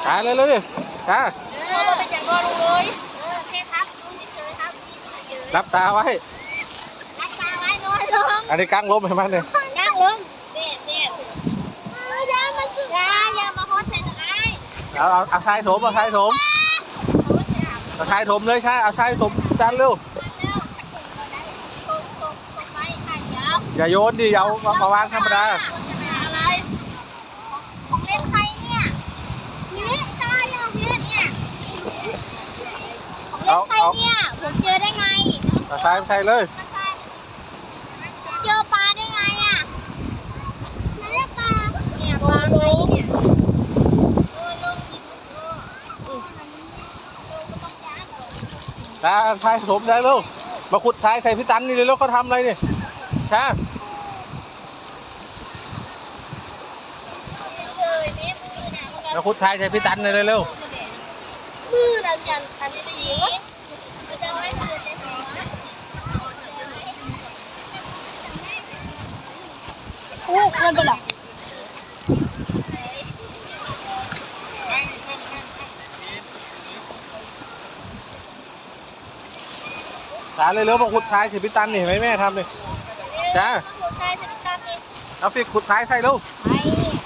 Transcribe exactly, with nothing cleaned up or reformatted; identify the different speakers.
Speaker 1: ตายเลยเลยดิจ้า
Speaker 2: เราไปจังรอลุงเลยโอเคครับลุงเฉยครับ
Speaker 1: รับตาไว้
Speaker 2: รับตาไว้น้อยลง
Speaker 1: อันนี้กั้งล้มให้มันเลย
Speaker 2: กั้งลงเด็ดเด็ดยามันคือยายามาฮอตใส่หน่อย
Speaker 1: เอาเอาเอาชายถมเอาชายถมเอาชายถมเลยใช่เอาชายถมจานเร็วอย่าโยนดิอย่าเอามาวางธรรมดา
Speaker 2: อะไรของเล่นใครเนี่ยนี่ตายอย่างเนี้ยเนี่ยของเล่นใครเนี่ยผมเจอได้ไง
Speaker 1: เอาชายใส่เลย
Speaker 2: เจอปลาได้ไงอ่ะนั่นแหละปลาเนี่ยปลาไงเนี่ย
Speaker 1: จ้าชายถมได้เร็วมาขุดชายใส่พี่ตันนี่เลยแล้วเขาทำอะไรนี่ช้ามาขุดชายใส่พี่ตันเลยเร็ว
Speaker 2: มือดันยันอันสีจะไม่มือจะสีโอ้คนเป็นหรอ
Speaker 1: ช้าเลยเร็วมาขุดชายใส่พี่ตันนี่เห็นไหมแม่ทำเลยช้าเอาฟิกขุดชายใส่เร็ว
Speaker 2: ไป